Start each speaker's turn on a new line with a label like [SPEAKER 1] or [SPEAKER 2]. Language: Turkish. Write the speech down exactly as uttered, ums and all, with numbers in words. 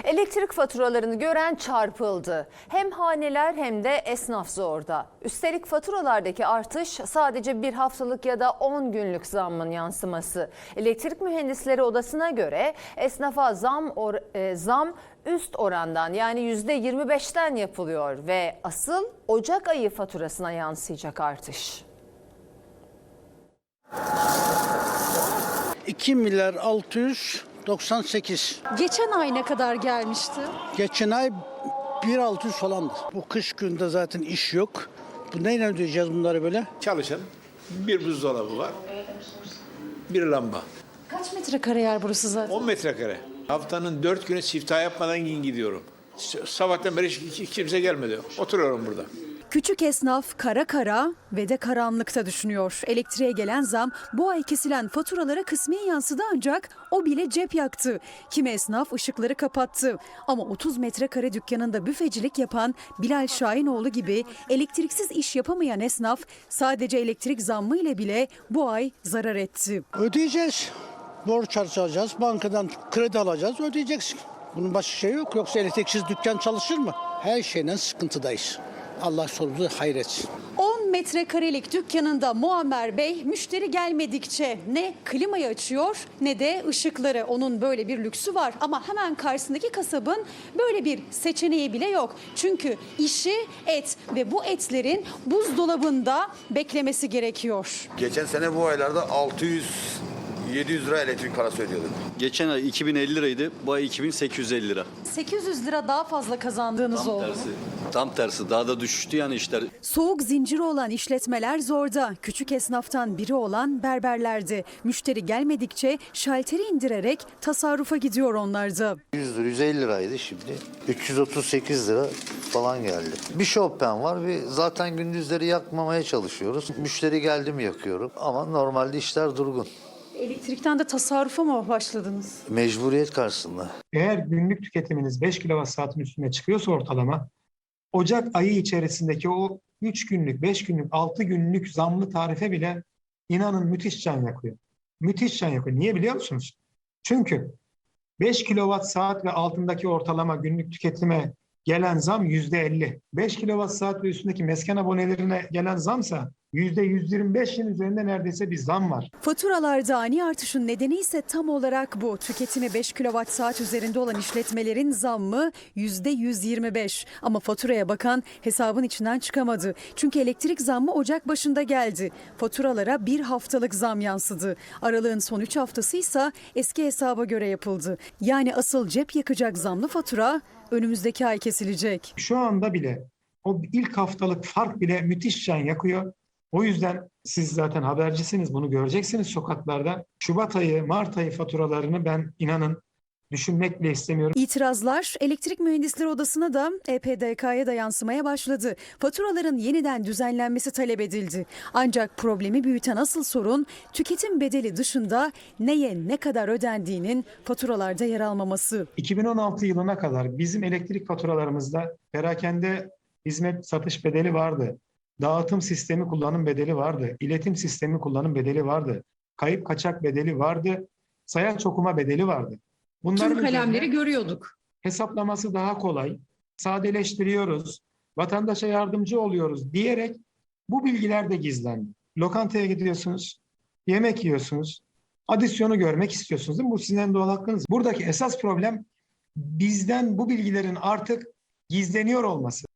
[SPEAKER 1] Elektrik faturalarını gören çarpıldı. Hem haneler hem de esnaf zorda. Üstelik faturalardaki artış sadece bir haftalık ya da on günlük zammın yansıması. Elektrik Mühendisleri Odası'na göre esnafa zam, or, e, zam üst orandan yani yüzde yirmi beşten yapılıyor ve asıl Ocak ayı faturasına yansıyacak artış.
[SPEAKER 2] iki milyar altı yüz doksan sekiz.
[SPEAKER 3] Geçen ay ne kadar gelmişti?
[SPEAKER 2] Geçen ay bir bin altı yüz falandı. Bu kış günde zaten iş yok. Bu neyle ödeyeceğiz bunları böyle?
[SPEAKER 4] Çalışan bir buzdolabı var, bir lamba.
[SPEAKER 3] Kaç metrekare yer burası zaten?
[SPEAKER 4] on metrekare. Haftanın dört günü siftah yapmadan gidiyorum. Sabahtan beri hiç kimse gelmedi. Oturuyorum burada.
[SPEAKER 3] Küçük esnaf kara kara ve de karanlıkta düşünüyor. Elektriğe gelen zam bu ay kesilen faturalara kısmi yansıdı ancak o bile cep yaktı. Kimi esnaf ışıkları kapattı. Ama otuz metrekare dükkanında büfecilik yapan Bilal Şahinoğlu gibi elektriksiz iş yapamayan esnaf sadece elektrik zammı ile bile bu ay zarar etti.
[SPEAKER 2] Ödeyeceğiz. Borç harcayacağız. Bankadan kredi alacağız. Ödeyeceksin. Bunun başka şey yok. Yoksa elektriksiz dükkan çalışır mı? Her şeyden sıkıntıdayız. Allah sonumuzu hayretsin.
[SPEAKER 3] on metrekarelik dükkanında Muammer Bey müşteri gelmedikçe ne klimayı açıyor ne de ışıkları. Onun böyle bir lüksü var ama hemen karşısındaki kasabın böyle bir seçeneği bile yok. Çünkü işi et ve bu etlerin buzdolabında beklemesi gerekiyor.
[SPEAKER 5] Geçen sene bu aylarda altı yüz yedi yüz lira elektrik parası ödüyorduk.
[SPEAKER 6] Geçen ay iki bin elli liraydı, bu ay iki bin sekiz yüz elli lira.
[SPEAKER 3] sekiz yüz lira daha fazla kazandığınız
[SPEAKER 6] Tam
[SPEAKER 3] oldu.
[SPEAKER 6] tersi, tam tersi daha da düşüştü yani işler.
[SPEAKER 3] Soğuk zinciri olan işletmeler zorda. Küçük esnaftan biri olan berberlerdi. Müşteri gelmedikçe şalteri indirerek tasarrufa gidiyor onlar da.
[SPEAKER 7] yüz lira, yüz elli liraydı şimdi. üç yüz otuz sekiz lira falan geldi. Bir Chopin var. Bir zaten gündüzleri yakmamaya çalışıyoruz. Müşteri geldi mi yakıyorum. Ama normalde işler durgun.
[SPEAKER 3] Elektrikten de tasarrufa mı başladınız?
[SPEAKER 7] Mecburiyet karşısında.
[SPEAKER 8] Eğer günlük tüketiminiz beş kilowatt saatin üstüne çıkıyorsa ortalama, Ocak ayı içerisindeki o üç günlük, beş günlük, altı günlük zamlı tarife bile inanın müthiş can yakıyor. Müthiş can yakıyor. Niye biliyor musunuz? Çünkü beş kilowatt saat ve altındaki ortalama günlük tüketime gelen zam yüzde elli. beş kilowatt saat ve üstündeki mesken abonelerine gelen zamsa yüzde yüz yirmi beşin üzerinde neredeyse bir zam var.
[SPEAKER 3] Faturalarda ani artışın nedeni ise tam olarak bu. Tüketimi beş kilowatt saat üzerinde olan işletmelerin zammı yüzde yüz yirmi beş. Ama faturaya bakan hesabın içinden çıkamadı. Çünkü elektrik zammı Ocak başında geldi. Faturalara bir haftalık zam yansıdı. Aralığın son üç haftası ise eski hesaba göre yapıldı. Yani asıl cep yakacak zamlı fatura önümüzdeki ay kesilecek.
[SPEAKER 8] Şu anda bile o ilk haftalık fark bile müthiş can yakıyor. O yüzden siz zaten habercisiniz, bunu göreceksiniz sokaklarda. Şubat ayı, Mart ayı faturalarını ben inanın düşünmek bile istemiyorum.
[SPEAKER 3] İtirazlar Elektrik Mühendisleri Odası'na da E P D K'ya da yansımaya başladı. Faturaların yeniden düzenlenmesi talep edildi. Ancak problemi büyüten asıl sorun tüketim bedeli dışında neye ne kadar ödendiğinin faturalarda yer almaması.
[SPEAKER 8] iki bin on altı yılına kadar bizim elektrik faturalarımızda perakende hizmet satış bedeli vardı. Dağıtım sistemi kullanım bedeli vardı. İletim sistemi kullanım bedeli vardı. Kayıp kaçak bedeli vardı. Sayaç okuma bedeli vardı. Bunların
[SPEAKER 9] Tüm kalemleri
[SPEAKER 8] üzerine
[SPEAKER 9] görüyorduk.
[SPEAKER 8] hesaplaması daha kolay. Sadeleştiriyoruz. Vatandaşa yardımcı oluyoruz diyerek bu bilgiler de gizlendi. Lokantaya gidiyorsunuz. Yemek yiyorsunuz. Adisyonu görmek istiyorsunuz değil mi? Bu sizin en doğal hakkınız. Buradaki esas problem bizden bu bilgilerin artık gizleniyor olması.